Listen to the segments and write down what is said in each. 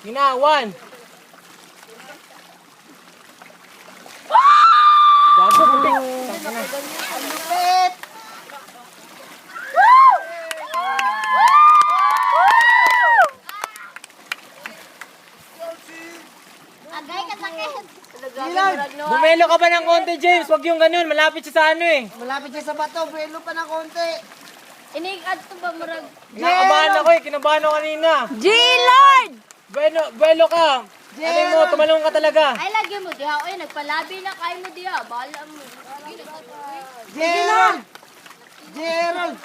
Ginawan. Gago, puti. Ang lupit! Agay ka sakit. Bumelo ka ba ng konti, James? Wag yung ganun. Malapit siya sa ano eh. Malapit siya sa bato, buwelo pa ng konti. Iniikad to ba murag? Kinakabahan ako eh. Kinabahan ako kanina. G-Lord! Buelo ka. Ano mo, tumalong ka talaga. Ay, lagi mo diha. Oy, nagpalabi na kayo mo diha. Bala mo. Gerald! Gerald!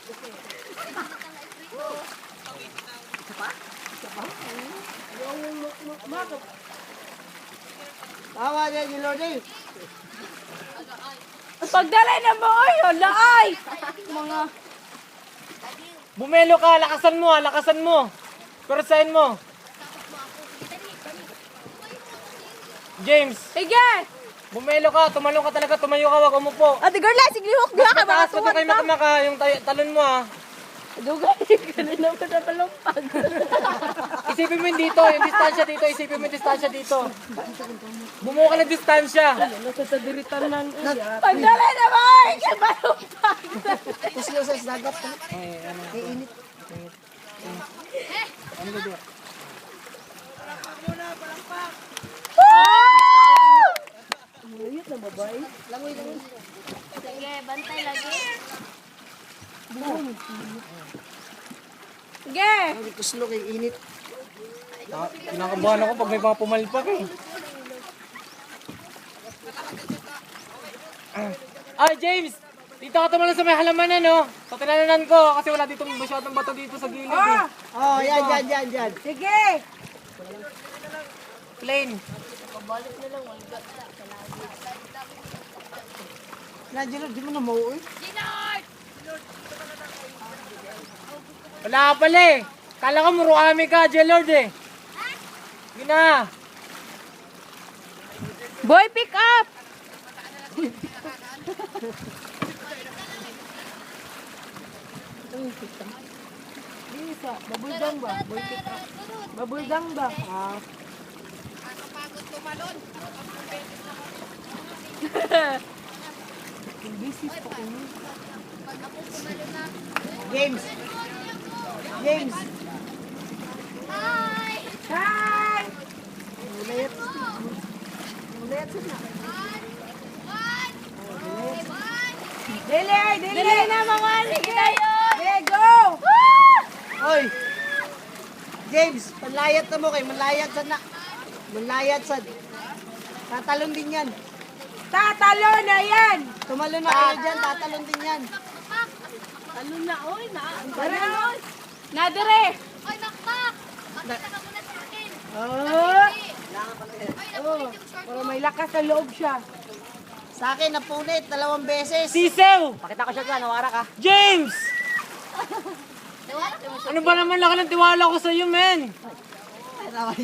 Tawa niya, Gerald eh. Pagdalay na mo, oy, hala ay! Mga... Bumelo ka. Lakasan mo ha. Lakasan mo. Perusahin mo. James, Sige! bumelo ka. Tumalong ka talaga. Tumayo ka. Wag umupo. Ate Garla, sige huk diha ka mga Mataas pa tuwan kayo ka. makamaka. Yung talon mo ha. Dugay, kanina mo na palumpag. Isipin mo yung dito. Yung distansya dito. Isipin mo yung distansya dito. Bumuo ka ng distansya. Pagdalay na mo, oy, kaya palumpag. Kuslo sa dagat. Ay, init. Sige, bantay lagi. Sige! Ay, kuslo kay init. Kinakabahan ako pag may mga pumalpak eh. Ay, James! Dito ka tumalon sa may halamanan, no? Sa tinananan ko, kasi wala dito masyadong bato dito sa gilid eh. Oh, yan. Sige! Plain. Na, Gerald, di mo na mauwi. Wala ka pala eh. Kala ko muruami ka, J-Lord eh. Gina. Boy, pick up! Babuldang ba? Babuldang ba? Ah. James. James. Hi! Hi! Ulit. Ulit sila. Dili na mga sige tayo! Okay, go! Oy. James, panlayat na mo kay manlayat sa na. Manlayat sa. Tatalon din yan. Tatalo na yan! Tumalon na kayo dyan, tatalon din yan. Talo na, oy! Tara! Nadire! Oy, makmak! Makita ka muna sa akin. Oh, Oy, Para may lakas sa loob siya. sa akin napunit 2 beses. Sisew! Pakita ko siya dyan, nawara ka. James! Ano ba naman laki ng tiwala ko sa iyo, men? Ay, naway.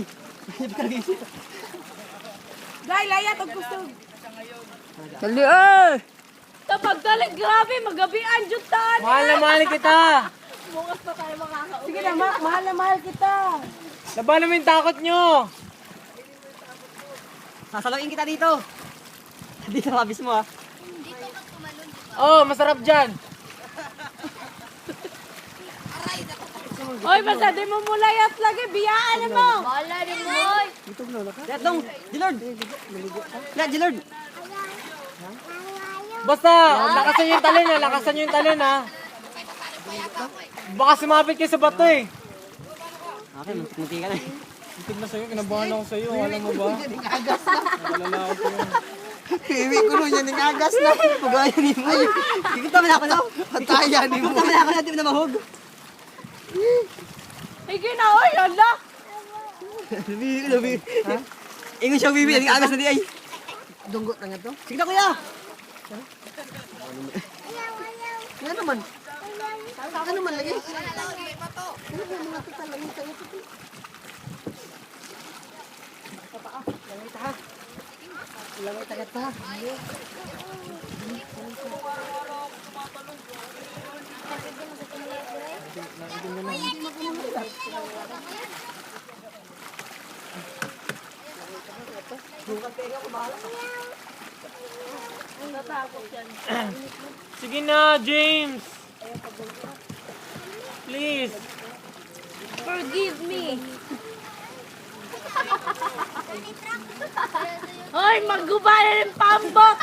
Dahil layat ang gusto. Dali eh! Kapag galing, grabe, magabian, jutan! Mahal na mahal kita. Bukas pa tayo makakauwi. Sige na, mahal na mahal kita. Labanan mo yung takot nyo. Sasaluin kita dito. Dito mabis mo ah. Oh, masarap dyan. Oy, basta di mo mulayat lagi, biyaan mo! Wala di mo, oy! Let dong, Gilord. Let Gilord. Basta, lakasan nyo yung talon ha. Lakasan nyo yung talon ha. Baka sumabit kayo sa bato eh. Okay, muntik ka na eh. Tignan na sa'yo, kinabahan ako sa'yo. Alam mo ba? Agas na. Nalala ako sa'yo. Piwi ko nun yan, agas na. Pagaya ni mo. Kikita mo na ako na. Pataya ni mo. Kikita mo na ako na, di mo na mahog. Sige na, oy, hala! Lubi. Ha? Ingon siya bibi, ang agas na di ay. Dunggot na nga to. Sige na kuya. Ano naman? Ano naman lagi? Ano ba mga total lagi sa'yo? Langay ta ha. Langay tagat pa ha. Sige na, James. Please. Forgive me. Hoy, maggubala ng pambok.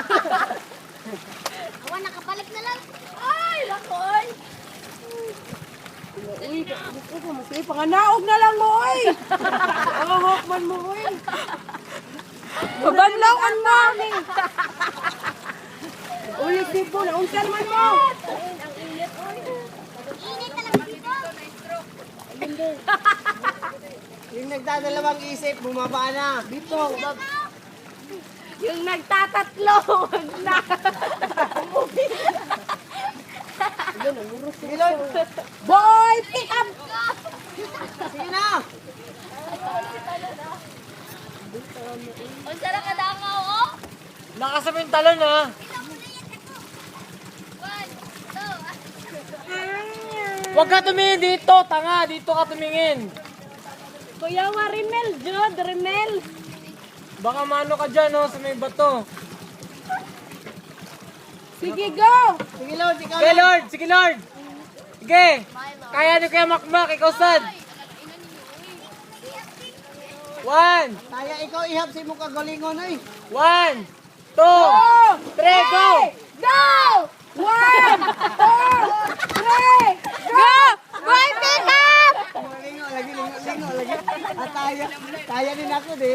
Awan, nakabalik na lang. Ay, lakoy. Uy, panganaog na lang mo, oy. Pangahok man mo, oy. Pabanlawan mo. Ulit dito, naunsan man mo. Init talaga dito. Yung nagdadalawang isip, bumaba na. Dito. Yung nagtatatlo, wag na. Sige, Lord. Boy, pick up. Sige na. Ang sarap kadakaw, oh. Lakas mo yung talon, ha? One, two, Huwag ka tumingin dito, tanga. Dito ka tumingin. Kuya Warimel, Jod, Rimel. Baka mano ka dyan, oh, sa may bato. Sige, go. Sige, Lord. Ikaw Sige, lang. Lord. Sige, Lord. Sige. Kaya nyo kaya makmak. Ikaw sad. 1, Kaya ikaw ihap si mo kagalingon, eh. 1, 2, 3, go! Go! 1, 2, 3, go! Boy, pick up! Lingo lagi, lingo lagi. At kaya din ako, di.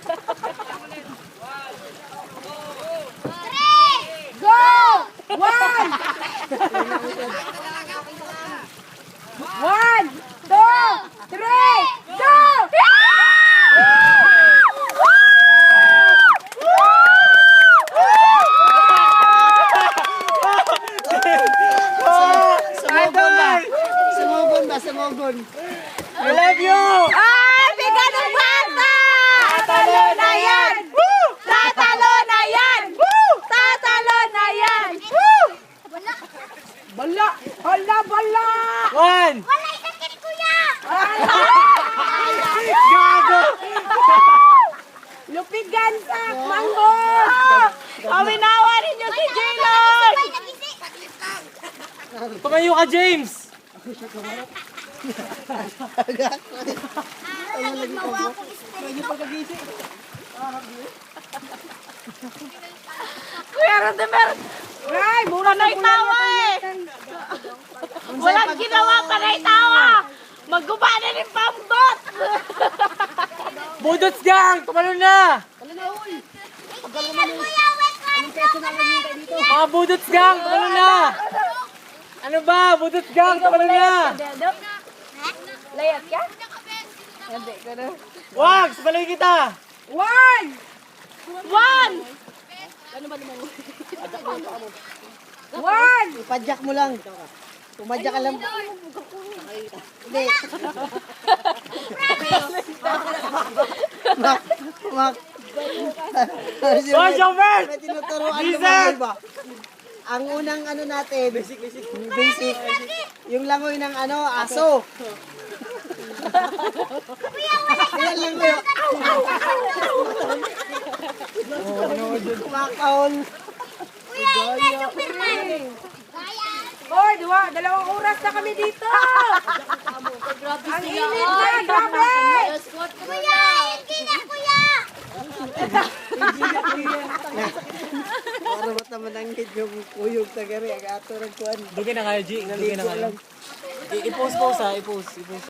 Go! 1, 1, 2, 3, go! Sumugon ba? Sumugon ba? Sumugon. I love you! Ay, bigat ng bata! Tatalo na yan! Tatalo na yan! Tatalo na yan! Bala! Hala, bala! 1, wala isang kini, kuya. gago! Lupig gansak! Manggo! Pawinawa ninyo si J-Lord! Sabay, nagisi. Tumayo ka, James! Lagi mawa akong espiritu. Kuya Rodemer! Ay, mura na tawa eh! Walang ginawa pa na tawa! Magguba na ng pambot! Budots gang! Tumalon na! Ingat, kuya. Wait, one. Mga budots gang! Tumalon na! Ano ba? Budots gang! Tumalon na! Layat ka? Hindi, gano'n. Wag! Sabaloy kita! 1! 1! Ipadyak mo lang. Pumadyak ka lang. Hindi. Mak. Oh, Jovert! May tinuturuan ko Lizard! ba? Ang unang ano natin, basic. Yung langoy ng ano, aso. Yan lang yun. Kumakaon. Kuya, ingat, Superman. Kaya. Hoy, dalawang oras na kami dito! Ang init na, grabe! Kuya, ingat, kuya. Para mataman ang hit yung kuyog sa gari. Ang ato ng kuwan. Dugin na kayo, G. Dugin na kayo. I-post ha. I-post.